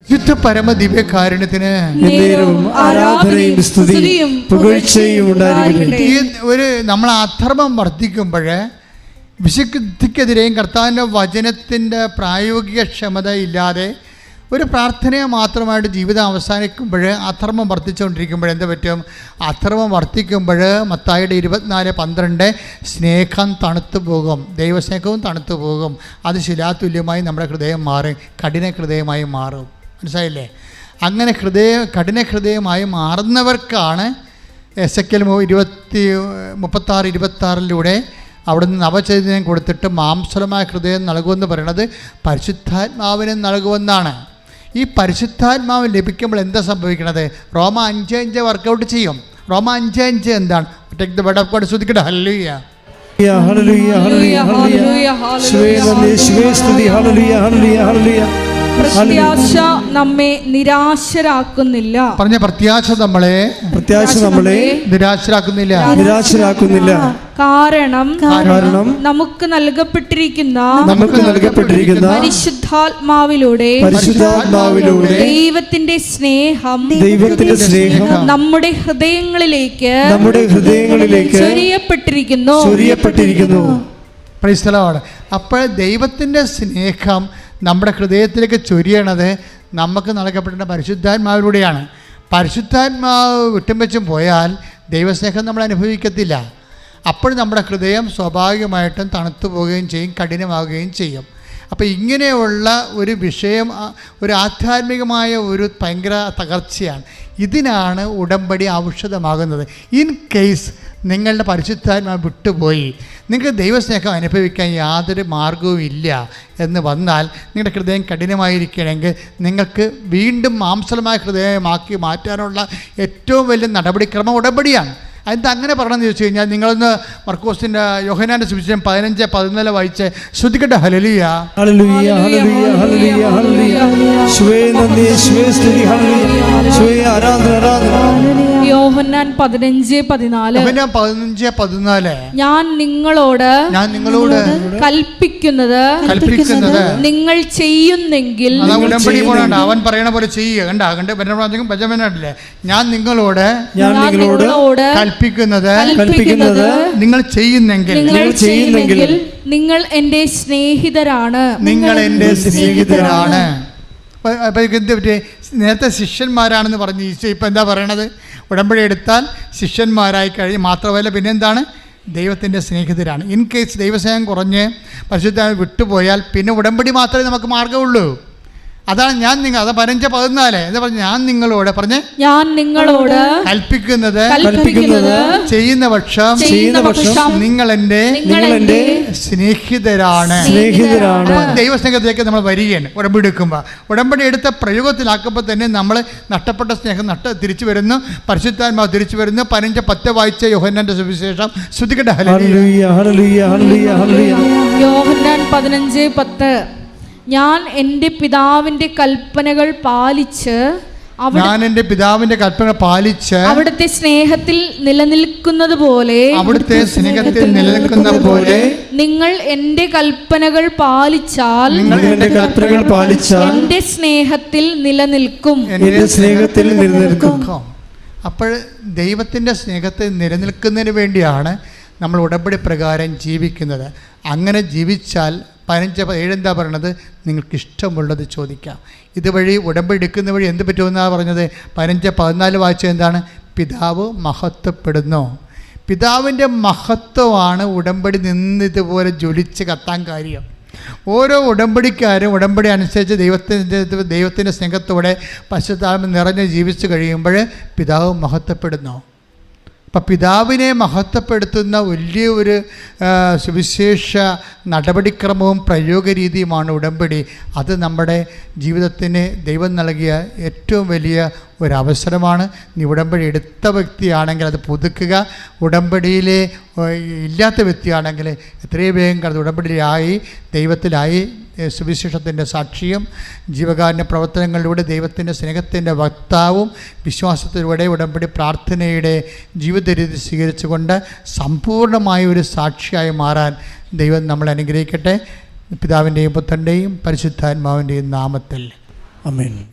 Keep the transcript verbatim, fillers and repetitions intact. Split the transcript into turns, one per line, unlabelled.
ശുദ്ധ പരമ ദിവ്യകാരുണ്യത്തിന്
ആരാധനയും സ്തുതിയും പുകഴ്ചയും ഉണ്ടായിരിക്കട്ടെ.
ഈ ഒരു നമ്മൾ അധർമ്മം വർദ്ധിക്കുമ്പോൾ വിശുദ്ധിക്കെതിരെയും കർത്താവിൻ്റെ വചനത്തിൻ്റെ പ്രായോഗിക ക്ഷമത ഇല്ലാതെ ഒരു പ്രാർത്ഥനയെ മാത്രമായിട്ട് ജീവിതം അവസാനിക്കുമ്പോൾ അധർമ്മം വർദ്ധിച്ചുകൊണ്ടിരിക്കുമ്പോൾ എന്ത് പറ്റും? അധർമ്മം വർദ്ധിക്കുമ്പോൾ മത്തായിയുടെ ഇരുപത്തിനാല് പന്ത്രണ്ട് സ്നേഹം തണുത്തു പോകും, ദൈവസ്നേഹവും തണുത്തു പോകും. അത് ശിലാതുല്യമായി നമ്മുടെ ഹൃദയം മാറും, കഠിന ഹൃദയമായി മാറും. മനസ്സിലായില്ലേ? അങ്ങനെ ഹൃദയ കഠിന ഹൃദയമായി മാറുന്നവർക്കാണ് എസ് എ കെൽ ഇരുപത്തി മുപ്പത്താറ് ഇരുപത്താറിലൂടെ അവിടുന്ന് നവചൈതന്യം കൊടുത്തിട്ട് മാംസലമായ ഹൃദയം നൽകുമെന്ന് പറയുന്നത് പരിശുദ്ധാത്മാവിനെ നൽകുമെന്നാണ്. ഈ പരിശുദ്ധാത്മാവ് ലഭിക്കുമ്പോൾ എന്താ സംഭവിക്കണത്? റോമ അഞ്ച് അഞ്ച് വർക്കൗട്ട് ചെയ്യും. റോമ അഞ്ച് അഞ്ച് എന്താണ്? Take the bed of God. ശ്രദ്ധിക്കട്ടെ. Hallelujah
hallelujah hallelujah hallelujah hallelujah.
പ്രത്യാശ നമ്മെ നിരാശരാക്കുന്നില്ല.
പറഞ്ഞ പ്രത്യാശ നമ്മളെ
പ്രത്യാശ നമ്മളെ
നിരാശരാക്കുന്നില്ല
നിരാശരാക്കുന്നില്ല
കാരണം
കാരണം
നമുക്ക് നൽകപ്പെട്ടിരിക്കുന്ന
നമുക്ക് നൽകപ്പെട്ടിരിക്കുന്ന
പരിശുദ്ധാത്മാവിലൂടെ
പരിശുദ്ധാത്മാവിലൂടെ
ദൈവത്തിന്റെ സ്നേഹം
ദൈവത്തിന്റെ സ്നേഹം
നമ്മുടെ ഹൃദയങ്ങളിലേക്ക്
നമ്മുടെ ഹൃദയങ്ങളിലേക്ക്
ചൊരിയപ്പെട്ടിരിക്കുന്നു
ചൊരിയപ്പെട്ടിരിക്കുന്നു.
Praise the Lord. അപ്പോൾ ദൈവത്തിൻ്റെ സ്നേഹം നമ്മുടെ ഹൃദയത്തിലേക്ക് ചൊരിയണത് നമുക്ക് നൽകപ്പെടേണ്ട പരിശുദ്ധാത്മാവിലൂടെയാണ്. പരിശുദ്ധാത്മാവ് വിട്ടും വെച്ചും പോയാൽ ദൈവസ്നേഹം നമ്മൾ അനുഭവിക്കത്തില്ല. അപ്പോൾ നമ്മുടെ ഹൃദയം സ്വാഭാവികമായിട്ടും തണുത്തു പോവുകയും ചെയ്യും, കഠിനമാവുകയും ചെയ്യും. അപ്പോൾ ഇങ്ങനെയുള്ള ഒരു വിഷയം, ഒരു ആധ്യാത്മികമായ ഒരു ഭയങ്കര തകർച്ചയാണ്. ഇതിനാണ് ഉടമ്പടി ഔഷധമാകുന്നത്. ഇൻ കേസ് നിങ്ങളുടെ പരിശുദ്ധാത്മാവ് വിട്ടുപോയി നിങ്ങൾക്ക് ദൈവസ്നേഹം അനുഭവിക്കാൻ യാതൊരു മാർഗവും ഇല്ല എന്ന് വന്നാൽ, നിങ്ങളുടെ ഹൃദയം കഠിനമായിരിക്കണമെങ്കിൽ നിങ്ങൾക്ക് വീണ്ടും മാംസലമായ ഹൃദയമാക്കി മാറ്റാനുള്ള ഏറ്റവും വലിയ നടപടിക്രമം ഉടമ്പടിയാണ്. അതിന് അങ്ങനെ പറയണമെന്ന് ചോദിച്ചു കഴിഞ്ഞാൽ, നിങ്ങളൊന്ന് മർക്കോസിൻ്റെ യോഹന്നാൻ്റെ സുവിശേഷം പതിനഞ്ച് പതിനാല് വായിച്ച് ശ്രദ്ധിക്കട്ടെ. Hallelujah
hallelujah hallelujah hallelujah hallelujah. യേശുവേ നന്ദി, യേശുവേ സ്തുതി, ഹല്ലേലൂയ. യേശുവേ ആരാധന ആരാധന.
യോഹന്നാൻ പതിനഞ്ച് പതിനാല്
യോഹന്നാൻ പതിനഞ്ച് പതിനാല്
ഞാൻ നിങ്ങളോട്
ഞാൻ നിങ്ങളോട്
കൽപ്പിക്കുന്നത്
കൽപ്പിക്കുന്നത്
നിങ്ങൾ ചെയ്യുന്നെങ്കിൽ.
ഉടമ്പടി പോകണ്ട, അവൻ പറയണ പോലെ ചെയ്യുക. കണ്ട കണ്ട് ബെഞ്ചമിനല്ലേ, ഞാൻ നിങ്ങളോട്
ഞാൻ നിങ്ങളോട്
കൽപ്പിക്കുന്നത്
കൽപ്പിക്കുന്നത്
നിങ്ങൾ ചെയ്യുന്നെങ്കിൽ
നിങ്ങൾ ചെയ്യുന്നെങ്കിൽ നിങ്ങൾ എൻ്റെ സ്നേഹിതരാണ്.
നിങ്ങൾ എൻ്റെ സ്നേഹിതരാണ്. നേരത്തെ ശിഷ്യന്മാരാണെന്ന് പറഞ്ഞ് ഈശോ ഇപ്പം എന്താ പറയണത്? ഉടമ്പടി എടുത്താൽ ശിഷ്യന്മാരായി കഴിഞ്ഞ് മാത്രമല്ല പിന്നെന്താണ്? ദൈവത്തിൻ്റെ സ്നേഹിതരാണ്. ഇൻ കേസ് ദൈവസ്നേഹം കുറഞ്ഞ് പരിശുദ്ധ വിട്ടുപോയാൽ പിന്നെ ഉടമ്പടി മാത്രമേ നമുക്ക് മാർഗമുള്ളൂ. അതാണ് ഞാൻ നിങ്ങൾ അത് പതിനഞ്ച് പതിനാല് എന്താ പറഞ്ഞു? ഞാൻ നിങ്ങളോട് പറഞ്ഞ് ഞാൻ നിങ്ങളോട് കൽപ്പിക്കുന്നത്
കൽപ്പിക്കുന്നത്
ചെയ്യുന്ന പക്ഷം
ചെയ്യുന്ന പക്ഷം
നിങ്ങൾ എൻ്റെ
നിങ്ങൾ എൻ്റെ
സ്നേഹിതരാണ്
സ്നേഹിതരാണ്.
ദൈവസ്നേഹത്തിലേക്ക് നമ്മൾ വരികയാണ് ഉടമ്പടി എടുക്കുമ്പോൾ. ഉടമ്പടി എടുത്ത പ്രയോഗത്തിലാക്കുമ്പോൾ തന്നെ നമ്മൾ നഷ്ടപ്പെട്ട സ്നേഹം നഷ്ട തിരിച്ചു വരുന്നു, പരിശുദ്ധാത്മാവ് തിരിച്ചു വരുന്നു. പതിനഞ്ച് പത്ത് വായിച്ച യോഹന്നാന്റെ സുവിശേഷം ശ്രദ്ധിക്കട്ടെ.
Hallelujah hallelujah hallelujah hallelujah.
Yohannan പതിനഞ്ച് പത്ത് ഞാൻ എൻ്റെ പിതാവിൻ്റെ കൽപ്പനകൾ പാലിച്ച്
ഞാൻ എൻ്റെ പിതാവിൻ്റെ കൽപ്പന പാലിച്ച്
അവിടുത്തെ സ്നേഹത്തിൽ നിലനിൽക്കുന്നത് പോലെ
അവിടുത്തെ സ്നേഹത്തിൽ നിലനിൽക്കുന്ന പോലെ
നിങ്ങൾ എൻ്റെ കൽപ്പനകൾ പാലിച്ചാൽ
നിങ്ങൾ എൻ്റെ കൽപ്പനകൾ പാലിച്ചാൽ
എൻ്റെ സ്നേഹത്തിൽ നിലനിൽക്കും
എൻ്റെ സ്നേഹത്തിൽ നിലനിൽക്കും.
അപ്പോൾ ദൈവത്തിൻ്റെ സ്നേഹത്തിൽ നിലനിൽക്കുന്നതിന് വേണ്ടിയാണ് നമ്മൾ ഉടമ്പടി പ്രകാരം ജീവിക്കുന്നത്. അങ്ങനെ ജീവിച്ചാൽ പതിനഞ്ച് ഏഴെന്താ പറയണത്? നിങ്ങൾക്ക് ഇഷ്ടമുള്ളത് ചോദിക്കാം. ഇതുവഴി ഉടമ്പടി എടുക്കുന്ന വഴി എന്ത് പറ്റുമെന്നാണ് പറഞ്ഞത്? പതിനഞ്ച് പതിനാല് വായിച്ചത് എന്താണ്? പിതാവ് മഹത്വപ്പെടുന്നു. പിതാവിൻ്റെ മഹത്വമാണ് ഉടമ്പടി നിന്ന് ഇതുപോലെ ജ്വലിച്ച് കത്താൻ കാര്യം. ഓരോ ഉടമ്പടിക്കാരും ഉടമ്പടി അനുസരിച്ച് ദൈവത്തിൻ്റെ ദൈവത്തിൻ്റെ സ്നേഹത്തോടെ പശുത്താമ നിറഞ്ഞ് ജീവിച്ച് കഴിയുമ്പോൾ പിതാവ് മഹത്വപ്പെടുന്നു. അപ്പം പിതാവിനെ മഹത്വപ്പെടുത്തുന്ന വലിയ ഒരു സുവിശേഷ നടപടിക്രമവും പ്രയോഗരീതിയുമാണ് ഉടമ്പടി. അത് നമ്മുടെ ജീവിതത്തിന് ദൈവം നൽകിയ ഏറ്റവും വലിയ ഒരവസരമാണ്. നീ ഉടമ്പടി എടുത്ത വ്യക്തിയാണെങ്കിൽ അത് പുതുക്കുക. ഉടമ്പടിയിലെ ഇല്ലാത്ത വ്യക്തിയാണെങ്കിൽ എത്രയും വേഗം കടന്ന് ഉടമ്പടിയിലായി ദൈവത്തിലായി സുവിശേഷത്തിൻ്റെ സാക്ഷിയും ജീവകാരുണ്യ പ്രവർത്തനങ്ങളിലൂടെ ദൈവത്തിൻ്റെ സ്നേഹത്തിൻ്റെ വക്താവും വിശ്വാസത്തിലൂടെ ഉടമ്പടി പ്രാർത്ഥനയുടെ ജീവിത രീതി സ്വീകരിച്ചുകൊണ്ട് സമ്പൂർണ്ണമായ ഒരു സാക്ഷിയായി മാറാൻ ദൈവം നമ്മളെ അനുഗ്രഹിക്കട്ടെ. പിതാവിൻ്റെയും പുത്രൻ്റെയും പരിശുദ്ധാത്മാവിൻ്റെയും നാമത്തിൽ ആമേൻ.